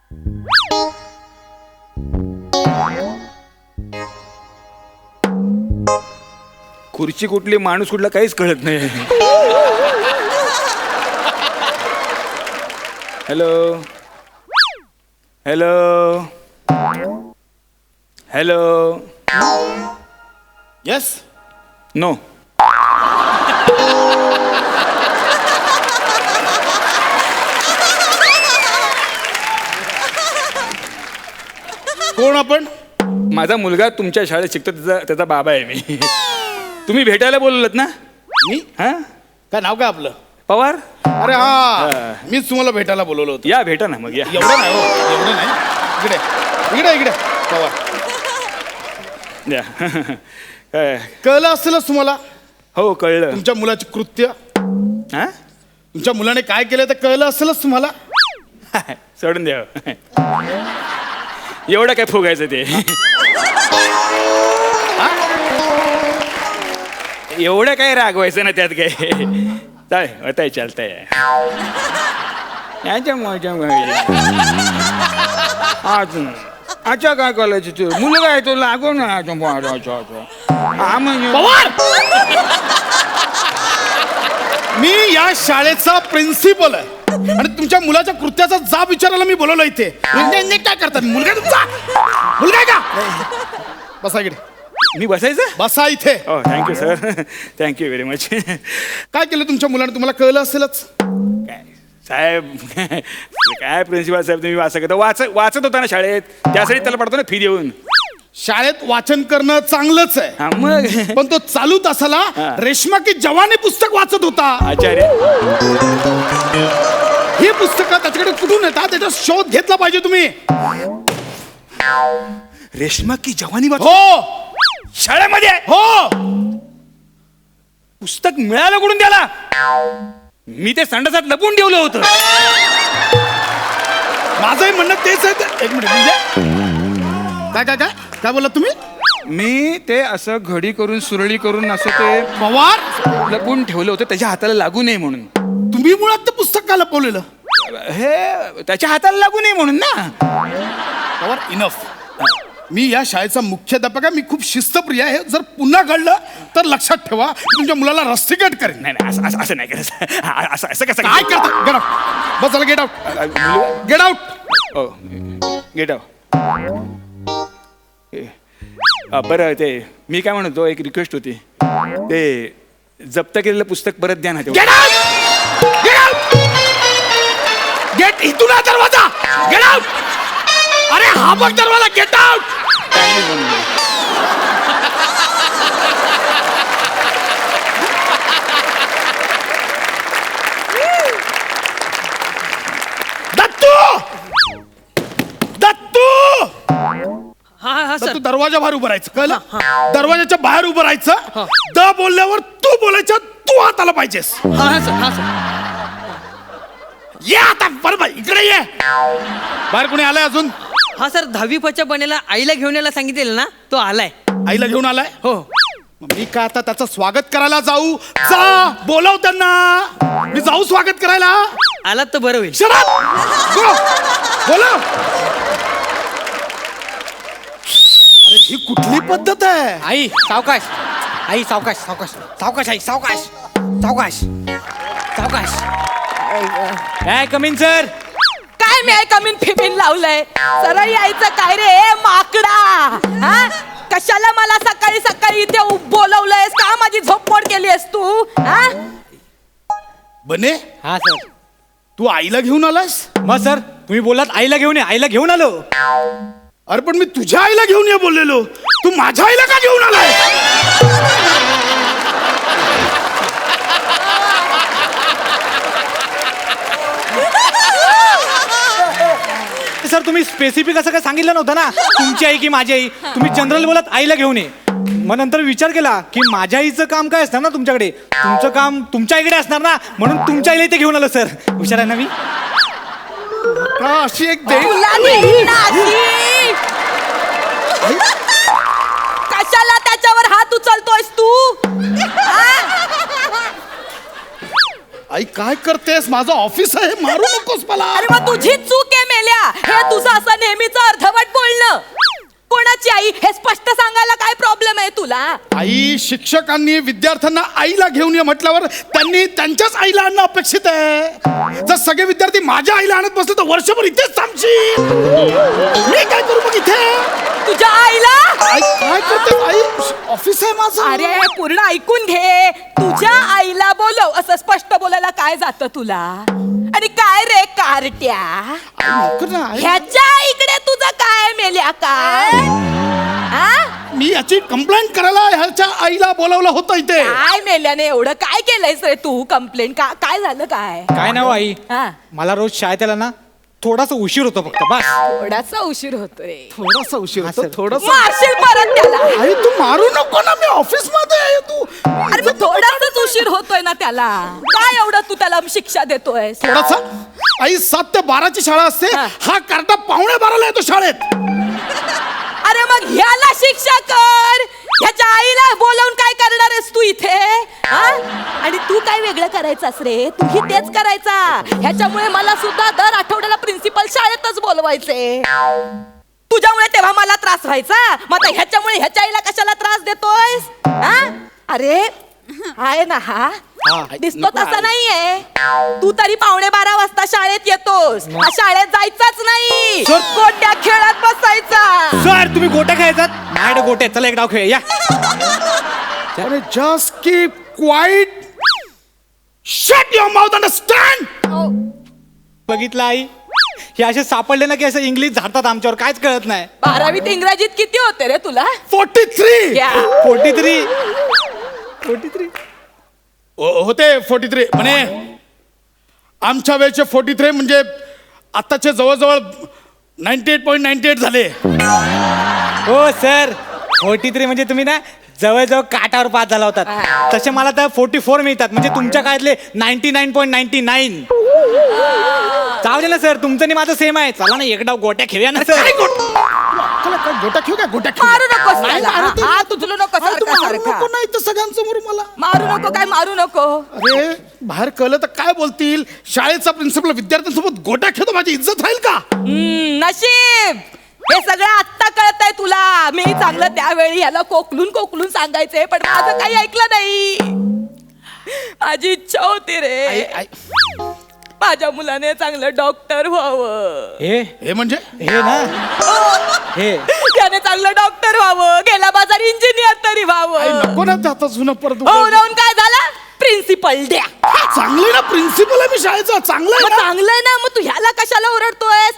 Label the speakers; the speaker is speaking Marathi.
Speaker 1: खुर्ची कुठली माणूस कुठला काहीच कळत नाही. Hello hello hello.
Speaker 2: Yes.
Speaker 1: No.
Speaker 2: कोण आपण?
Speaker 1: माझा मुलगा तुमच्या शाळेत शिकतो, त्याचा बाबा आहे मी. तुम्ही भेटायला बोलवलत ना?
Speaker 2: मी?
Speaker 1: हा,
Speaker 2: काय नाव काय आपलं?
Speaker 1: पवार.
Speaker 2: अरे हा, मीच तुम्हाला भेटायला बोलवलं होतं.
Speaker 1: या भेटा ना मग या.
Speaker 2: एवढं नाही हो, एवढं नाही. इकडे इकडे इकडे पवार.
Speaker 1: या. काय?
Speaker 2: कळलं असेलच तुम्हाला
Speaker 1: हो कळलं.
Speaker 2: तुमच्या मुलाचे कृत्य.
Speaker 1: हा,
Speaker 2: तुमच्या मुलाने काय केलं ते कळलं असेलच तुम्हाला.
Speaker 1: सोडून द्या. एवढं काय फुगायचं ते. एवढं काय रागवायचं ना त्यात काय. चालेल होताय चालतंय. अच्छा काय करायचं तू मुलगा आहे तो लागो ना. हा म्हणजे
Speaker 2: पवार, मी या शाळेचा प्रिन्सिपल आहे आणि तुमच्या मुलाच्या कृत्याचा जाब विचारायला मी बोलवलं इथे. काय करतात? मुलगा तुमचा मुलगा आहे का? बसा इकडे.
Speaker 1: मी बसायचं.
Speaker 2: बसा इथे.
Speaker 1: हो thank you sir, thank you very much.
Speaker 2: काय केलं तुमच्या मुलाने? तुम्हाला कळलं असेलच.
Speaker 1: काय साहेब, काय प्रिन्सिपल साहेब तुम्ही असं करता? वाचत होता ना शाळेत, त्यासाठी त्याला पडतो ना फी देऊन.
Speaker 2: शाळेत वाचन करणं चांगलंच आहे,
Speaker 1: हा मग
Speaker 2: पण तो चालू तासाला रेशमा की जवानी पुस्तक वाचत होता.
Speaker 1: आचार्य,
Speaker 2: ही पुस्तकं त्याच्याकडे कुठून येतात त्याचा शोध घेतला पाहिजे तुम्ही.
Speaker 1: रेशमा की जवानी वाच
Speaker 2: हो
Speaker 1: शाळेमध्ये
Speaker 2: हो.
Speaker 1: पुस्तक मिळालं कुठून त्याला? मी ते संडासात लपून ठेवलं होतं.
Speaker 2: माझंही म्हणणं तेच आहे. एक मिनिट, म्हणजे काय काय काय काय बोलला तुम्ही?
Speaker 1: मी ते असं घडी करून सुरळी करून असं ते
Speaker 2: पवार,
Speaker 1: लपून ठेवलं होतं त्याच्या हाताला लागू नये म्हणून.
Speaker 2: तुम्ही मुळात ते पुस्तक का लपवलेलं?
Speaker 1: हे त्याच्या हाताला लागू नये म्हणून ना.
Speaker 2: पवार, इनफ. मी या शाळेचा मुख्याध्यापक आहे. मी खूप शिस्तप्रिय आहे. जर पुन्हा घडलं तर लक्षात ठेवा, तुमच्या मुलाला रस्टिकेट करेन.
Speaker 1: नाही नाही, असं नाही करायचं. असं कसं
Speaker 2: काय करता? Gate out. बस झालं, गेट आउट. Get out.
Speaker 1: ओ गेट आउट. बरं, ते मी काय म्हणतो, एक रिक्वेस्ट होती. ते जप्त केलेलं पुस्तक परत द्या ना.
Speaker 2: Get out. Get out. Gate इथून आहे दरवाजा. Get out. अरे हा बघ दरवाजा. Get out. दत्तू, दत्तू,
Speaker 3: हा सर.
Speaker 2: तू दरवाजा बाहेर उभं राहायचं, कळलं? दरवाजाच्या बाहेर उभं राहायचं. द बोलल्यावर तू बोलायचं. तू हात आला पाहिजेस.
Speaker 3: हा सर. हा सर.
Speaker 2: ये आता बरोबर इकडे ये. बाहेर कोणी आलाय अजून?
Speaker 3: हा सर, 10वी पच्या बनेला आईला घेऊन यायला सांगितलेलं ना, तो आलाय.
Speaker 2: आईला घेऊन आलाय?
Speaker 3: हो.
Speaker 2: मग मी का आता त्याचं स्वागत करायला जाऊ? जा बोलाव त्यांना. मी जाऊ स्वागत करायला?
Speaker 3: आलात तर बरं होईल.
Speaker 2: Shut up. गो. बोलाव. अरे ही कुठली पद्धत आहे?
Speaker 3: आई सावकाश. आई सावकाश सावकाश सावकाश. आई सावकाश सावकाश सावकाश.
Speaker 1: काय कमीन सर?
Speaker 4: काय मी कमीन फिमीन लावलंय? सरळ यायचं काय रे माकडा? हा, कशाला मला सकाळी सकाळी इथे बोलवलंयस? का माझी झोपमोड केलीस तू? हा,
Speaker 2: बने,
Speaker 3: हा सर.
Speaker 2: तू आईला घेऊन आलास?
Speaker 3: मग सर तुम्ही बोलात आईला घेऊन ये. आईला घेऊन आलो.
Speaker 2: अरे पण मी तुझ्या आईला घेऊन ये बोललेलो. तू माझ्या आईला का घेऊन आलाय?
Speaker 5: सर तुम्ही स्पेसिफिक असं काय सांगितलं नव्हतं ना, तुमची आई की माझी आई. तुम्ही जनरल बोलत आईला घेऊन ये. मग नंतर विचार केला की माझ्या आईचं काम काय असणार ना तुमच्याकडे, तुमचं काम तुमच्या आईकडे असणार ना, म्हणून तुमच्या आईला इथे घेऊन आलो सर. हुशार आहे ना मी.
Speaker 2: अशी एक दे.
Speaker 4: तुला देईन ना अशी. कशाला त्याच्यावर हात उचलतोयस तू? हा?
Speaker 2: आई काय करतेस? माझं ऑफिस आहे, मारू नकोस मला.
Speaker 4: अरे मग तुझी चूक आहे मेल्या. हे तुझं तुला
Speaker 2: आई, शिक्षकांनी विद्यार्थ्यांना आईला घेऊन ये म्हटल्यावर त्यांनी त्यांच्याच आईला आणणं अपेक्षित आहे. जर सगळे विद्यार्थी माझ्या आईला आणत बसले तर वर्षभर इथेच थांबशील. मी काय करू मग इथे?
Speaker 4: तुझ्या आईला
Speaker 2: आई काय करते? आई, ऑफिस आहे माझं.
Speaker 4: अरे पूर्ण ऐकून घे. तुझ्या आईला बोलव असं स्पष्ट बोलायला काय जातं तुला? आणि काय रे कारट्या,
Speaker 2: आई, नको ना, आई.
Speaker 4: ह्याच्या इकडे तुझं काय मेल्या काय? हा?
Speaker 2: मी याची कंप्लेंट करायला ह्याच्या आईला बोलावलं होतं इथे.
Speaker 4: काय मेल्याने एवढं काय केलंयस रे तू? कंप्लेंट काय झालं काय?
Speaker 5: काय नाव आई,
Speaker 4: हा
Speaker 5: मला रोज शाळेत यायला ना थोडासा उशीर होतो फक्त बस.
Speaker 4: थोडासा उशीर होतोय.
Speaker 2: थोडासा उशीर होतो, थोडासा.
Speaker 4: मारशील परत त्याला.
Speaker 2: आई, तू मारू नको ना, मी ऑफिस मध्ये आहे. तू
Speaker 4: अरे मग थोडासाच उशीर होतोय ना त्याला. काय एवढं तू त्याला शिक्षा देतोय?
Speaker 2: थोडासा. आई, 7 ते 12ची शाळा असते.
Speaker 4: हा.
Speaker 2: हा करता 11:15 येतो शाळेत.
Speaker 4: अरे मग ह्याला शिक्षा कर. ह्याच्या आईला बोलावून काय करणार आहेस तू इथे? हा? आणि तू काय वेगळं करायचास रे? तूही तेच करायचा. ह्याच्यामुळे मला सुद्धा दर आठवड्याला प्रिन्सिपल शाळेतच बोलवायचे. तुझ्यामुळे तेव्हा मला त्रास व्हायचा. मग आता ह्याच्यामुळे ह्याच्या आईला कशाला त्रास देतोयस? हा? अरे आहे ना हा, दिसतो तसा नाहीये. तू तरी 11:15 वाजता शाळेत येतोस. हा, शाळेत जायचाच नाही.
Speaker 5: सर.
Speaker 4: गोट्या खेळत बसायचा.
Speaker 5: सर तुम्ही गोट्या खेळायचात? माझ्याकडे गोट्या आहेत. चला एक डाव खेळ या.
Speaker 2: Just keep quiet. Shut your mouth, understand?
Speaker 5: बघितलं आई, हे असे सापडले ना की असं इंग्लिश झाडतात आमच्यावर, काहीच कळत नाही.
Speaker 4: 12वीत इंग्रजीत किती होते रे तुला?
Speaker 2: 43.
Speaker 4: क्या?
Speaker 5: 43.
Speaker 2: होते 43. म्हणे आमच्या वेळचे 43 म्हणजे आताचे जवळजवळ 98.98 झाले.
Speaker 5: हो सर, 43 म्हणजे तुम्ही ना जवळजवळ काटावर पास झाला होतात. तसे मला तर 44 मिळतात, म्हणजे तुमच्या काळातले 99.99. जाऊ दे ना सर, तुमचं आणि माझं सेम आहे. चला ना एक डाव गोट्या खेळूया ना सर.
Speaker 2: काय गोटा खेळ काय? गोटा खेळ.
Speaker 4: मारू नकोस
Speaker 2: नाही,
Speaker 4: त्याला.
Speaker 2: मारू ते-
Speaker 4: हा, तुझलं नको
Speaker 2: आई, तू
Speaker 4: सारखं
Speaker 2: मारू
Speaker 4: सारखं.
Speaker 2: नको ना इथं सगळ्यांसमोर मला.
Speaker 4: मारू नको काय मारू नको.
Speaker 2: अरे बाहेर कळलं तर काय बोलतील? शाळेचा प्रिन्सिपल विद्यार्थ्यांसोबत गोटा खेळतो, माझी इज्जत राहील का?
Speaker 4: नशीब हे सगळं आत्ता कळत आहे तुला. मी चांगलं त्यावेळी ह्याला कोकलून सांगायचंय, पण माझं काही ऐकलं नाही. माझी इच्छा होती रे,
Speaker 2: आई,
Speaker 4: माझ्या मुलाने चांगलं डॉक्टर व्हावं.
Speaker 2: हे म्हणजे
Speaker 5: हे ना, हे
Speaker 4: त्याने चांगलं डॉक्टर व्हावं, गेला बाजार इंजिनियर तरी
Speaker 2: आई,
Speaker 4: व्हावं.
Speaker 2: नको ना आता जुनं परत.
Speaker 4: हो राहून काय झालं? प्रिन्सिपल द्या.
Speaker 2: चांगलं ना, प्रिन्सिपल आहे मी शाळेचा. चांगलं आहे
Speaker 4: मग
Speaker 2: ना.
Speaker 4: चांगलं आहे ना, मग तू ह्याला कशाला ओरडतोयस?